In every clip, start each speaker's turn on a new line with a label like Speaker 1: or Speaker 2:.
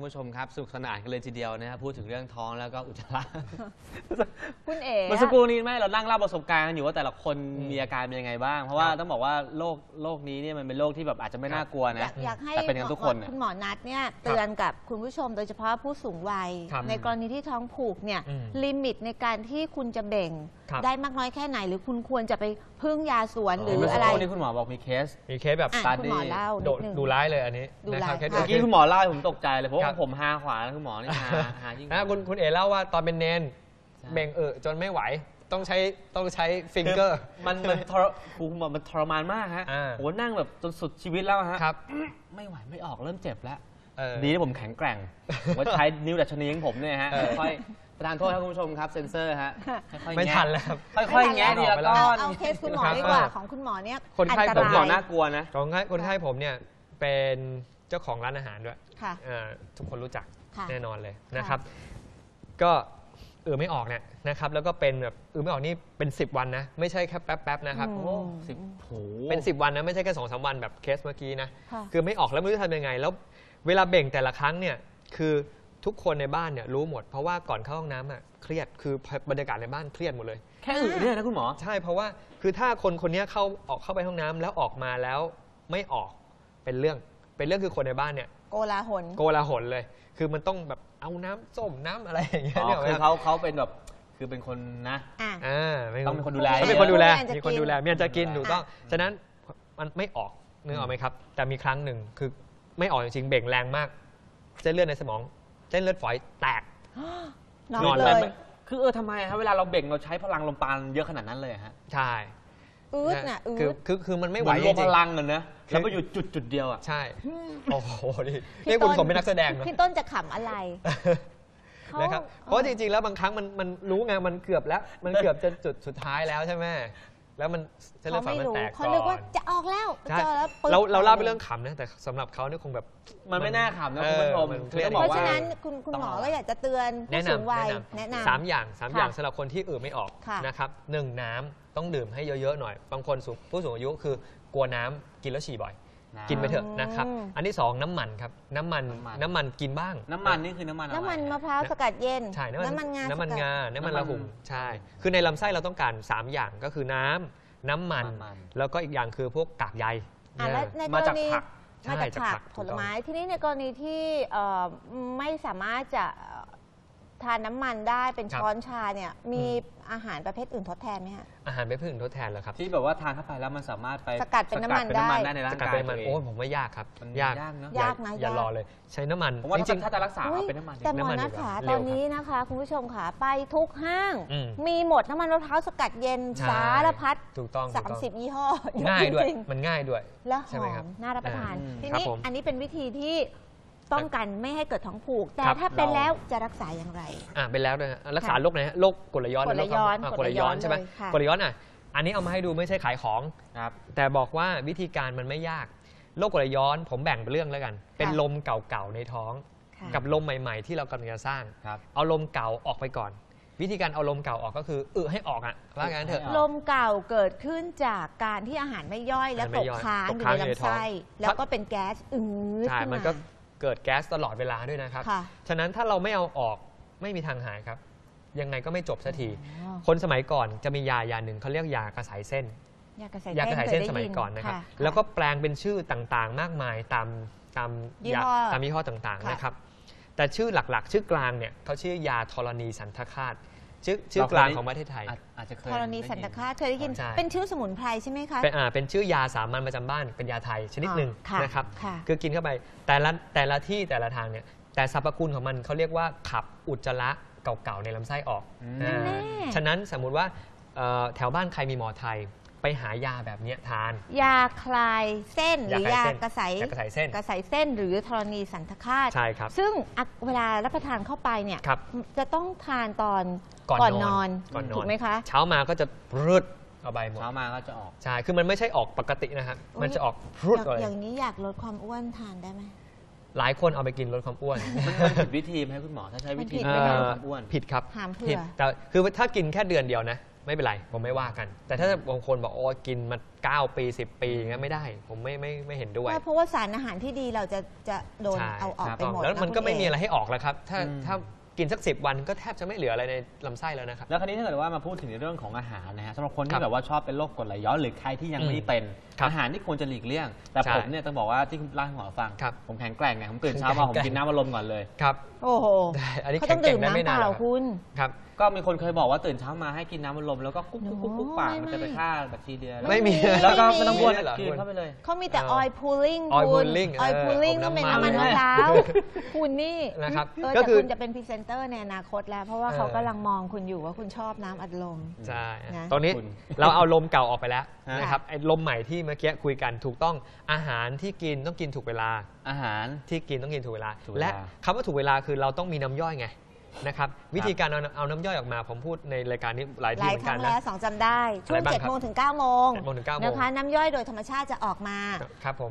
Speaker 1: ผู้ชมครับสนุกสนานกันเลยทีเดียวนะครับพูดถึงเรื่องท้องแล้วก็อุจจาระ
Speaker 2: คุณเอ๋
Speaker 1: เมื่อสักครู่นี้ไม่เรานั่งเล่าประสบการณ์กันอยู่ว่าแต่ละคนมีอาการเป็นยังไงบ้างเพราะว่าต้องบอกว่าโรคนี้เนี่ยมันเป็นโรคที่แบบอาจจะไม่น่ากลัวนะ
Speaker 2: อยากให้
Speaker 1: แต่เป็นกันทุกคน
Speaker 2: คุณหมอนัทเนี่ยเตือนกับคุณผู้ชมโดยเฉพาะผู้สูงวัยในกรณีที่ท้องผูกเนี่ยลิมิตในการที่คุณจะเบ่งได้มากน้อยแค่ไหนหรือคุณควรจะไปพึ่งยาสวนหรืออะไร
Speaker 1: นี่คุณหมอบอกมีเคส
Speaker 3: แบบ
Speaker 2: คุณหมอเล่า
Speaker 3: ดูร้ายเลยอันนี้
Speaker 2: นะครับ
Speaker 1: เมื่อกี้คุณหมอเล่าผมตกใจเลยเพราะว่าผมหาขวาแล้วคุณหมอนี่หายิ่ง
Speaker 3: คุณเอ๋เล่าว่าตอนเป็นเนนเบ่งจนไม่ไหวต้องใช้ฟิงเกอร์
Speaker 1: มันคุณหมอมันทรมานมากฮะโหนั่งแบบจนสุดชีวิตแล้วฮะไม่ไหวไม่ออกเริ่มเจ็บแล้วดีที่ผมแข็งแกร่งว่าใช้นิ้วดัชนีของผมเนี่ยฮะค่อยประธานโทษครับคุณผู้ชมครับเซ็นเซอร์ฮะ
Speaker 3: ไม่ทันแล้วครับ
Speaker 1: ค่อยๆแงะดีแล้วก็
Speaker 2: เอาเคสคุณหมอดีกว่าของคุณหมอเนี่ย
Speaker 3: คนไข้
Speaker 1: ผมหมอน่ากลัวนะ
Speaker 3: คนไข้ผมเนี่ยเป็นเจ้าของร้านอาหารด้วยทุกคนรู้จักแน่นอนเลยนะครับก็ไม่ออกเนี่ยนะครับแล้วก็เป็นแบบไม่ออกนี่เป็น10 วันนะไม่ใช่แค่แป๊บๆนะครับเป็น10 วันนะไม่ใช่แค่2-3 วันแบบเคสเมื่อกี้นะคือไม่ออกแล้วไม่รู้จะทำยังไงแล้วเวลาเบ่งแต่ละครั้งเนี่ยคือทุกคนในบ้านเนี่ยรู้หมดเพราะว่าก่อนเข้าห้องน้ำเครียดคือบรรยากาศในบ้านเครียดหมดเลย
Speaker 1: แค่เนี่ยนะคุณหมอ
Speaker 3: ใช่เพราะว่าคือถ้าคนนี้เข้าไปห้องน้ำแล้วออกมาแล้วไม่ออกเป็นเรื่องคือคนในบ้านเนี่ย
Speaker 2: โกลา
Speaker 3: หลเลยคือมันต้องแบบเอาน้ำส้มน้ำอะไรอย่างเงี้ยเนี่ย
Speaker 1: คือเขาเป็นแบบคือเป็นคนนะต้องเป็นคนดูแล
Speaker 3: มีคนดูแลเมียจะกินถูกต้องฉะนั้นมันไม่ออกนึกออกไหมครับแต่มีครั้งหนึ่งคือไม่ออกจริงๆเบ่งแรงมากเส้นเลือดในสมองเส้นเลือดฝอยแตก
Speaker 2: นอนเลย
Speaker 1: คือทำไมครับเวลาเราเบ่งเราใช้พลังลมปราณเยอะขนาดนั้นเลยฮะ
Speaker 3: ใช่คือมันไม่ไหว
Speaker 1: จริงๆพลังกันนะแล้วก็อยู่จุดเดียวอ่ะ
Speaker 3: ใช่โอ้โหนี่คุณสมเป็นนักแสดงนะ
Speaker 2: พี่ต้นจะขำอะไร
Speaker 3: นะครับเพราะจริงๆแล้วบางครั้งมันรู้ไงมันเกือบแล้วมันเกือบจะจุดสุดท้ายแล้วใช่ไหมแล้วมันเส้นเลือดฝอยมันแตกก่อน
Speaker 2: เขานึกว่าจะออกแล้ว
Speaker 3: เราเล่าเป็นเรื่องขำนะแต่สำหรับเขาเนี่ยคงแบบ
Speaker 1: มันไม่น่าขำนะคุณผู้ชม
Speaker 2: เพราะฉะนั้นคุณหมอก็อยากจะเตือนผู้สูงวัยแนะนำ
Speaker 3: 3 อย่างสำหรับคนที่ไม่ออกนะครับ1น้ำต้องดื่มให้เยอะๆหน่อยบางคนผู้สูงอายุคือกลัวน้ำกินแล้วฉี่บ่อยกินไปเถอะนะครับอันที่2น้ำมันครับน้ำมันกินบ้าง
Speaker 1: น้ำมันนี่คือน้ำมัน
Speaker 2: มะพร้าวสกัดเย็น
Speaker 3: ใช่น้ำมันงาน้ำมันระหุ่มใช่คือในลำไส้เราต้องการ3 อย่างก็คือน้ำมันแล้วก็อีกอย่างคือพวกกากใย
Speaker 1: มาจาก
Speaker 2: ผักผลไม้ที่นี่ในกรณีที่ไม่สามารถจะทานน้ำมันได้เป็นช้อนชาเนี่ยมีอาหารประเภทอื่นทดแทนไหมฮะ
Speaker 3: อาหารประเภทอื่นทดแทนเหรอครับ
Speaker 1: ที่แบบว่าทานเข้าไปแล้วมันสามารถไป
Speaker 2: สกัดเป็นน้ำมันได้
Speaker 1: ในร่างกาย
Speaker 3: โอ้ผมว่ายากครับยาก
Speaker 2: นะ
Speaker 3: อย่ารอเลยใช้น้ำมัน
Speaker 1: จริงๆถ้าจะรักษาเป็นน้ำมัน
Speaker 2: แต่หมอนัทขาตอนนี้นะคะคุณผู้ชมขาไปทุกห้างมีหมดน้ำมันมะพร้าวสกัดเย็นสารพัด
Speaker 3: ถูกต้อง
Speaker 2: 30 ยี่ห้อ
Speaker 3: ง่ายด้วยมันง่ายด้วย
Speaker 2: แล้วหอมน่ารับประทานทีนี้อันนี้เป็นวิธีที่ป้องกันไม่ให้เกิดท้องผูกแต่ถ้าเป็นแล้วจะรักษาอย่างไร
Speaker 3: เป็นแล้วด้วยรักษาโรคไหนโรคกรดไหลย้อน
Speaker 2: กรดไหลย้อน
Speaker 3: ใช่ไหมกรดไหลย้อนอันนี้เอามาให้ดูไม่ใช่ขายของแต่บอกว่าวิธีการมันไม่ยากโรคกรดไหลย้อนผมแบ่งเป็นเรื่องแล้วกันเป็นลมเก่าๆในท้องกับลมใหม่ๆที่เรากำลังจะสร้างเอาลมเก่าออกไปก่อนวิธีการเอาลมเก่าออกก็คือให้ออกว่างั้นเถอะ
Speaker 2: ลมเก่าเกิดขึ้นจากการที่อาหารไม่ย่อยแล้วตกค้างอยู่ในลำไส้แล้วก็เป็นแก๊สขึ้นมา
Speaker 3: เกิดแก๊สตลอดเวลาด้วยนะครับฉะนั้นถ้าเราไม่เอาออกไม่มีทางหายครับยังไงก็ไม่จบสักทีคนสมัยก่อนจะมียาหนึ่งเขาเรียกยากระสายเส้น
Speaker 2: ยากระสายเส้น
Speaker 3: สมัยก่อนนะครับแล้วก็แปลงเป็นชื่อต่างๆมากมายตามยี่ห้อต่างๆนะครับแต่ชื่อหลักๆชื่อกลางเนี่ยเขาชื่อยาธรณีสันทคาตชื่อกลางของประเทศไทย
Speaker 1: อาจจะเคย
Speaker 2: ธรณีสันทคาตเคยได้ยินเป็นชื่อสมุนไพรใช่ไหมคะ
Speaker 3: เป็นชื่อยาสามัญประจำบ้านเป็นยาไทยชนิดหนึ่งนะครับคือกินเข้าไปแต่ละที่แต่ละทางเนี่ยแต่สรรพคุณของมันเขาเรียกว่าขับอุจจาระเก่าๆในลำไส้ออกฉะนั้นสมมุติว่าแถวบ้านใครมีหมอไทยไปหายาแบบนี้ทาน
Speaker 2: ยาคลายเส้นหรือยากระสายเส้นหรือธรณีสันทคาต
Speaker 3: ใช่ครับ
Speaker 2: ซึ่งเวลารับประทานเข้าไปเนี่ยจะต้องทานตอนก่อนนอนถูกไหมคะ
Speaker 3: เช้ามาก็จะรืดเอาใบหมด
Speaker 1: เช้ามาก็จะออก
Speaker 3: ใช่คือมันไม่ใช่ออกปกตินะครับมันจะออกรืดเลย
Speaker 2: อย่างนี้อยากลดความอ้วนทานได้ไหม
Speaker 3: หลายคนเอาไปกินลดความอ้วน
Speaker 1: มันผิดวิธีไหมคุณหมอถ้าใช้วิธีไม่ลดความอ้วน
Speaker 3: ผิดครับ
Speaker 2: ผิด
Speaker 3: แต่คือถ้ากินแค่เดือนเดียวนะไม่เป็นไรผมไม่ว่ากัน แต่ถ้าบางคนบอกโอ้กินมา9 ปี 10 ปีอย่างเงี้ยไม่ได้ผมไม่เห็นด้วย
Speaker 2: เพราะว่าสารอาหารที่ดีเราจะโดนเอาออกไปหมด
Speaker 3: แล้วมันก็ไม่มีอะไรให้ออกแล้วครับถ้ากินสัก10 วันก็แทบจะไม่เหลืออะไรในลำไส้แล้วนะครับ
Speaker 1: แล้วคราวนี้ถ้าเกิดว่ามาพูดถึงในเรื่องของอาหารนะฮะสำหรับคนที่แบบว่าชอบเป็นโรคกรดไหลย้อนหรือใครที่ยังไม่เป็นอาหารที่ควรจะหลีกเลี่ยงแต่ผมเนี่ยต้องบอกว่าที่คุณเล่าให้หมอฟังผมแข็งแกร่งไงผมตื่นเช้ามาผมกินน้ำอัดลมก่อนเลย
Speaker 3: ครับ
Speaker 2: โอ้โห
Speaker 3: อันนี้
Speaker 2: เขาต้องดื่มน้ำเปล่าคุณ
Speaker 3: ครับ
Speaker 1: ก็มีคนเคยบอกว่าตื่นเช้ามาให้กินน้ำอัดลมแล้วก็กุ๊กปากมันจะไปฆ่าแบคทีเรีย
Speaker 3: ไม่มี
Speaker 1: แล้วก็ไม่ต้องบ้วนกินเข้าไปเลย
Speaker 2: เขามีแต่ oil pulling ต้องเป็นน้ำมันมะพร้าวคุณนี่
Speaker 3: นะครับ
Speaker 2: ก็คือคุณจะเป็นพรีเซนเตอร์ในอนาคตแล้วเพราะว่าเขากำลังมองคุณอยู่ว่าคุณชอบน้ำอัดลม
Speaker 3: ใช่ตอนนี้เราเอาลมเก่าออกไปแล้วนะครับไอ้ลมใหม่ที่เมื่อกี้คุยกันถูกต้องอาหารที่กินต้องกินถูกเวลา
Speaker 1: อาหาร
Speaker 3: ที่กินต้องกินถูกเวลาและคำว่าถูกเวลาคือเราต้องมีน้ำย่อยไงนะครับวิธีการเอาน้ำย่อยออกมาผมพูดในรายการนี้หลายที่เหมือนกันนะ
Speaker 2: แล้ว2จำได้ช่วง7 โมงถึง 9 โมงนะคะน้ำย่อยโดยธรรมชาติจะออกมา
Speaker 3: ครับผม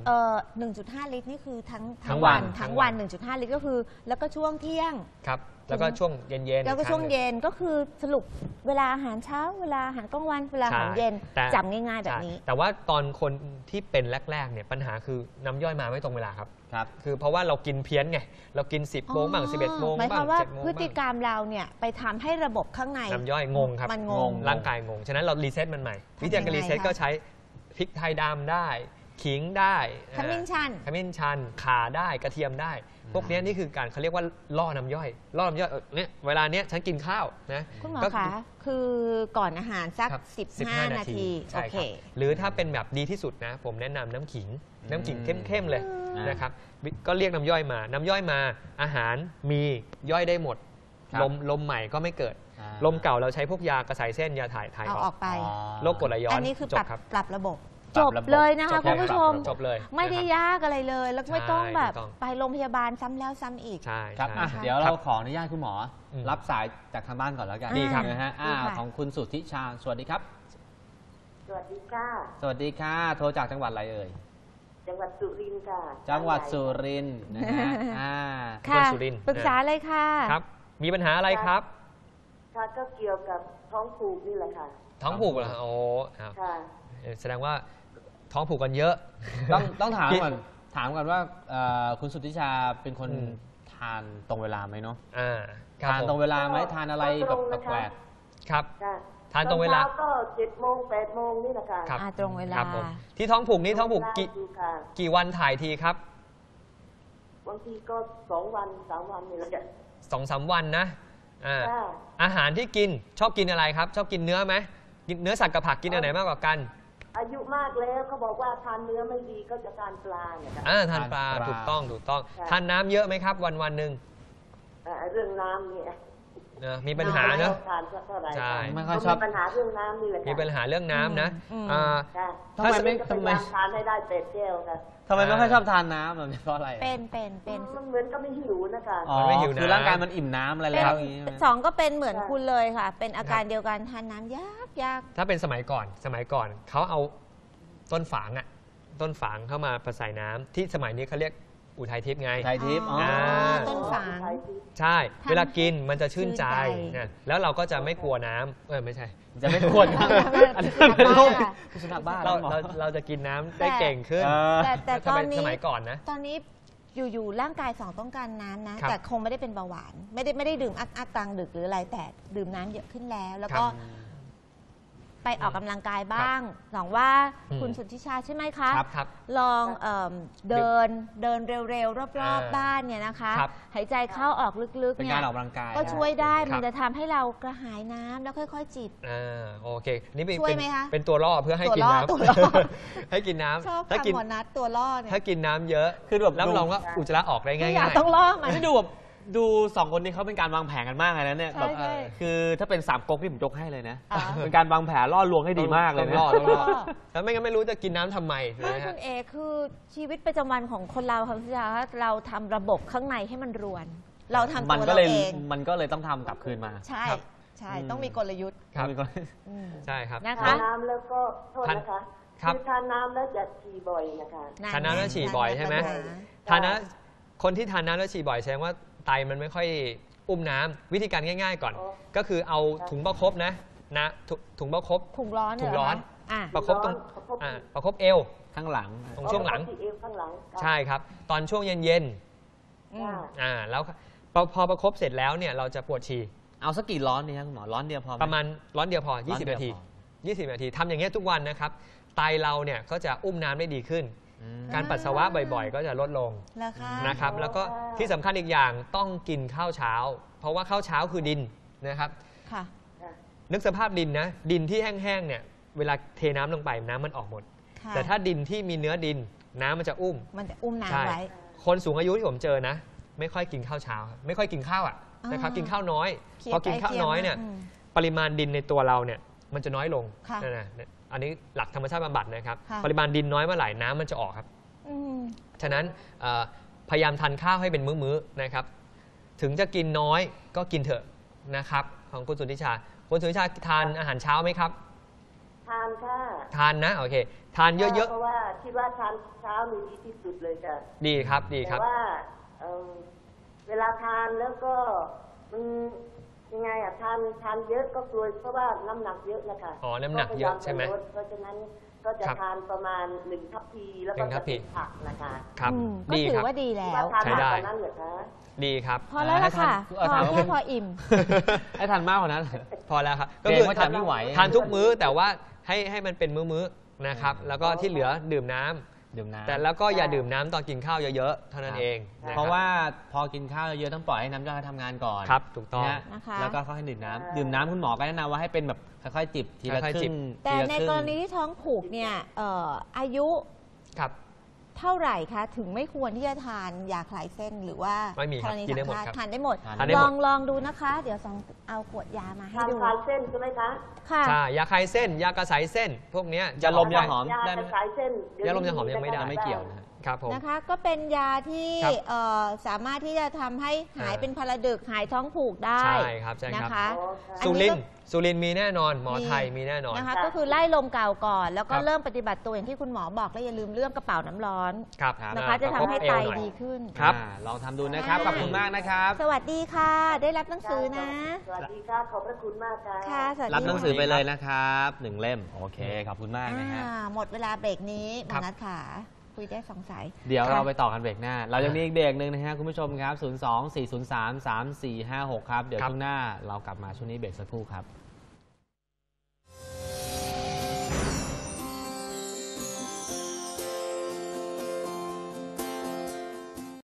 Speaker 2: 1.5 ลิตรนี่คือทั้งวัน 1.5 ลิตรก็คือแล้วก็ช่วงเที่ยง
Speaker 3: ครับแล้วก็ช่วงเย็น
Speaker 2: แล้วก็ช่วงเย็นก็คือสรุปเวลาอาหารเช้าเวลาอาหารกลางวันเวลาอาหารเย็นจำง่ายๆแบบนี้
Speaker 3: แต่ว่าตอนคนที่เป็นแรกๆเนี่ยปัญหาคือน้ำย่อยมาไม่ตรงเวลาครับคือเพราะว่าเรากินเพี้ยนไงเรากิน10 โมงบ้าง11 โมง
Speaker 2: บ้าง7 โมงพฤติกรรมเราเนี่ยไปทำให้ระบบข้างใน
Speaker 3: น้ำย่อยงงครับ
Speaker 2: มันงง
Speaker 3: ร่างกายงงฉะนั้นเรารีเซ็ตมันใหม่วิธีการรีเซ็ตก็ใช้พริกไทยดำได้ขิงได้
Speaker 2: ขมิ้น
Speaker 3: ชันข่าได้กระเทียมได้พวกนี้นี่คือการเขาเรียกว่าล่อน้ำย่อยเนี่ยเวลาเนี้ยฉันกินข้าวนะ
Speaker 2: คุณหมอคะคือก่อนอาหารสัก15 นาทีโอเค
Speaker 3: หรือถ้าเป็นแบบดีที่สุดนะผมแนะนำน้ำขิงเข้มๆเลยนะครับก็เรียกน้ำย่อยมาอาหารมีย่อยได้หมดลมใหม่ก็ไม่เกิดลมเก่าเราใช้พวกยากระสายเส้นยาถ่าย
Speaker 2: ออกไป
Speaker 3: โรคกรดไหลย้อน
Speaker 2: อันนี้คือปรับระบบจบเลยนะคะคุณผู้ชม
Speaker 3: จบเลย
Speaker 2: ไม่ได้ยากอะไรเลยแล้วไม่ต้องแบบไปโรงพยาบาลซ้ำแล้วซ้ำอีก
Speaker 3: ใช่
Speaker 1: ครับเดี๋ยวเราขออนุญาตคุณหมอรับสายจากทางบ้านก่อนแล้วกัน
Speaker 3: ดีครับ
Speaker 1: นะฮะของคุณสุทธิชาสวัสดีครับ
Speaker 4: สวัสดีค่ะ
Speaker 1: สวัสดีค่ะโทรจากจังหวัดอะไรเอ่ย
Speaker 4: จังหวัดสุรินทร์ค่ะ
Speaker 1: จังหวัดสุรินทร์นะฮะ
Speaker 2: ค่ะปรึกษาเลยค่ะ
Speaker 3: ครับมีปัญหาอะไรครับ
Speaker 4: ค่ะก็เกี่ยวกับท้องผูกนี่แหละค่ะ
Speaker 3: ท้องผูกเหรอโอ้
Speaker 4: ค่ะ
Speaker 3: แสดงว่าท้องผูกกันเยอะ
Speaker 1: ต้องถามก่อนว่าคุณสุทธิชาเป็นคนทานตรงเวลาไหมเนาะทานตรงเวลาไหมทานอะไรแบบแปลก
Speaker 3: ครับทานตรงเวลา
Speaker 4: ก็7 โมง 8 โมงนี่แหละค่ะ
Speaker 2: ตรงเวลา
Speaker 3: ที่ท้องผูกนี้ท้องผูกกี่วันถ่ายทีครับ
Speaker 4: บางทีก็2 วัน 3 วันนี่แหละ
Speaker 3: 2-3 วันนะอาหารที่กินชอบกินอะไรครับชอบกินเนื้อไหมกินเนื้อสัตว์กับผักกินอันไหนมากกว่ากัน
Speaker 4: อายุมากแล้วเขาบอกว่าทานเนื้อไม่ดีก็จะทานปลาเนี่ย
Speaker 3: ทานปลาถูกต้องทานน้ำเยอะไหมครับวันหนึ่ง
Speaker 4: เรื่องน้ำเนี่ย
Speaker 3: มีปัญหาเนอะ
Speaker 4: ใช่ไม่ค่อยชอบมีปัญหาเรื่องน้ำนี่แหละ
Speaker 3: มีปัญหาเรื่องน้ำนะ
Speaker 1: ทำไมไม่
Speaker 4: ทานให้ได้8 แก้วค่ะ
Speaker 1: ทำไมไม่ค่อยชอบทานน้ำเพราะอะไร
Speaker 2: เป็น
Speaker 4: มันเหมือนก็ไม่หิวนะคะ
Speaker 1: ไม่หิวคือร่างกายมันอิ่มน้ำอะไรแล้ว
Speaker 2: 2ก็เป็นเหมือนคุณเลยค่ะเป็นอาการเดียวกันทานน้ำยาก
Speaker 3: ถ้าเป็นสมัยก่อนเขาเอาต้นฝางเข้ามาผสมน้ำที่สมัยนี้เขาเรียกอุทัยทิพย์ไง
Speaker 1: อุทัยทิพย์
Speaker 2: ต้นฝาง
Speaker 3: ใช่เวลากินมันจะชื่นใจแล้วเราก็จะไม่กลัวน้ำไม่ใช่
Speaker 1: จะไม่กลัวน้ำอันนี้เป็นโรคสุนัขบ้า
Speaker 3: เราจะกินน้ำได้เก่งขึ้น
Speaker 2: แต่ตอนนี้
Speaker 3: สมัยก่อนนะ
Speaker 2: ตอนนี้อยู่ร่างกายต้องการน้ำนะแต่คงไม่ได้เป็นเบาหวานไม่ได้ดื่มอัดกลางดึกหรืออะไรแต่ดื่มน้ำเยอะขึ้นแล้วก็ไปออกกำลังกายบ้างหวังว่าคุณสุทธิชาใช่ไหมคะลองเดินเร็วๆรอบๆบ้านเนี่ยนะคะหายใจเข้าออกลึกๆเนี่ยก็ช่วยได้มันจะทำให้เรากระหายน้ำแล้วค่อยๆจิบ
Speaker 3: โอเคนี่
Speaker 2: ช่วยไหมคะ
Speaker 3: เป็นตัวล่อเพื่อให้กินน้ำให้กินน้
Speaker 2: ำถ้ากินหมอนัดตัวล่อเนี่ย
Speaker 3: ถ้ากินน้ำเยอะคือแบบรับรองว่าอุจจาระออกได้ง่าย
Speaker 2: ๆต้องล่อมัน
Speaker 1: ดู2 คนนี้เขาเป็นการวางแผนกันมากเลยนะเนี่ยแบบคือถ้าเป็น3 ก๊กที่ผมยกให้เลยนะเป็นการวางแผนล่อลวงให้ดีมากเลยนะ
Speaker 3: ต้องล่อแล้วไม่งั้นไม่รู้จะกินน้ำทำไม
Speaker 2: คุณเอคือชีวิตประจำวันของคนเราค่ะพี่จ๋าเราทำระบบข้างในให้มันรวนเราทำตัวเราเอง
Speaker 1: มันก็เลยต้องทำกลับคืนมา
Speaker 2: ใช่ต้องมีกลยุทธ์
Speaker 3: ใช่ครับ
Speaker 4: นะคะทานน้ำแล้วก็โทษนะคะคือทานน้ำแล้วจะฉี่บ่อยนะคะ
Speaker 3: ทานน้ำแล้วฉี่บ่อยใช่ไหมทานน้ำคนที่ทานน้ำแล้วฉี่บ่อยแสดงว่าไตมันไม่ค่อยอุ้มน้ำวิธีการง่ายๆก่อนก็คือเอาถุงประคบนะนะถุงประคบ
Speaker 2: ถุงร้อน
Speaker 3: ถุงร้อน ประคบตรงประคบเอว
Speaker 1: ข้างหลัง
Speaker 3: ตรงช่วงหลัง
Speaker 4: ที่เอวข้างหลัง
Speaker 3: ใช่ครับ ตอนช่วงเย็นแล้วพอประคบเสร็จแล้วเนี่ยเราจะปวดฉี่
Speaker 1: เอาสักกี่ร้อนนี่ครับคุณหมอร้อนเดียวพอไห
Speaker 3: ประมาณร้อนเดียวพอ 20 นาที 20 นาทีทำอย่างเงี้ยทุกวันนะครับไตเราเนี่ยก็จะอุ้มน้ำได้ดีขึ้น การปัสสาวะบ่อยๆ ก็จะลดลงนะครับแล้วก็ที่สำคัญอีกอย่างต้องกินข้าวเช้า เพราะว่าข้าวเช้าคือดินนะครับนึกสภาพดินนะดินที่แห้งๆเนี่ยเวลาเทน้ำลงไปน้ำมันออกหมดแต่ถ้าดินที่มีเนื้อดินน้ำมันจะอุ้ม
Speaker 2: น้ำไว้
Speaker 3: คนสูงอายุที่ผมเจอนะไม่ค่อยกินข้าวเช้าไม่ค่อยกินข้าวนะครับกินข้าวน้อยพอกินข้าวน้อยเนี่ยปริมาณดินในตัวเราเนี่ยมันจะน้อยลงอันนี้หลักธรรมชาติบำบัดนะครับปริมาณดินน้อยเมื่อไหร่น้ำมันจะออกครับฉะนั้นพยายามทานข้าวให้เป็นมื้อๆนะครับถึงจะกินน้อยก็กินเถอะนะครับของคุณสุทธิชาคุณสุทธิชาทานอาหารเช้าไหมครับ
Speaker 4: ทานค่ะ
Speaker 3: ทานนะโอเคทานเยอะๆ
Speaker 4: เพราะว่าคิดว่าทานเช้ามีดีที่สุดเลยค่ะ
Speaker 3: ดีครับดีครับ
Speaker 4: แต่ว่าเวลาทานแล้วก็มันยังไงทานเยอะก็กลัวเพราะว่าน้ำหนักเยอะนะคะ
Speaker 3: น้ำหนักเยอะใช่ไหม
Speaker 4: เพราะฉะนั้นก็จะทานประมาณ1 ทัพพีแล้วก็จะกินผักนะคะ
Speaker 3: ครับ
Speaker 2: ก็ถือว่าดีแล้ว
Speaker 3: ใช้ได้ดีครับ
Speaker 2: พอแล้วล่ะค่ะพออิ่ม
Speaker 1: ให้ทานมากกว่านั้น
Speaker 3: พอแล้วครับ
Speaker 1: ก็คือทานไม่ไหว
Speaker 3: ทานทุกมื้อแต่ว่าให้มันเป็นมื้อๆนะครับแล้วก็ที่เหลือดื่มน้ำแต่แล้วก็อย่าดื่มน้ำตอนกินข้าวเยอะๆเท่านั้นเอง
Speaker 1: เพราะว่าพอกินข้าวเยอะต้องปล่อยให้น้ำย่อยทำงานก่อน
Speaker 3: ครับถูกต้อง
Speaker 1: แล้วก็ค่อยดื่มน้ำคุณหมอก็แนะนำว่าให้เป็นแบบค่อยๆจิบทีละครึ่ง
Speaker 2: แต่ในกรณีที่ท้องผูกเนี่ยอายุเท่าไหร่คะถึงไม่ควรที่จะทานยาคลายเส้นหรือว่า
Speaker 3: ไม่มีครับกินได้หมด
Speaker 2: ทานได้หมดลองดูนะคะเดี๋ยวเอาขวดยามาให้ดู
Speaker 4: ยาคลายเส้นใช่ไหมคะ
Speaker 2: ค่ะ
Speaker 3: ยาคลายเส้นยากระสายเส้นพวกนี้
Speaker 1: ยาลมยาหอม
Speaker 4: ได้ไหม
Speaker 3: ยาลมยาหอมยังไม่ได้
Speaker 1: ไม่เกี่ยว
Speaker 3: ครับผม
Speaker 2: นะคะก็เป็นยาที่สามารถที่จะทำให้หายเป็นพาราดึกหายท้องผูกได้
Speaker 3: ใช่ครับ
Speaker 2: นะคะ
Speaker 3: สุรินมีแน่นอนหมอไทยมีแน่นอน
Speaker 2: นะคะก็คือไล่ลมเก่าก่อนแล้วก็เริ่มปฏิบัติตัวอย่างที่คุณหมอบอกและอย่าลืมเรื่องกระเป๋าน้ำร้อนนะคะจะทำให้ไตดีขึ้น
Speaker 3: ครับ
Speaker 1: ลองทำดูนะครับขอบคุณมากนะครับ
Speaker 2: สวัสดีค่ะได้รับหนังสือนะ
Speaker 4: สวัสดีค่ะขอบพระคุณมาก
Speaker 2: ค่ะ
Speaker 1: รับหนังสือไปเลยนะครับ1 เล่มโอเคขอบคุณมากนะฮะ
Speaker 2: หมดเวลาเบรกนี้หมอนัทค่ะคุยได้2 สาย
Speaker 1: เดี๋ยวเราไปต่อกันเบรกหน้าเรายังมีอีกเบรกหนึ่งนะฮะคุณผู้ชมครับ02-403-3456ครับเดี๋ยวช่วงหน้าเรากลับมาช่วงนี้เบรกสักครู่ครับ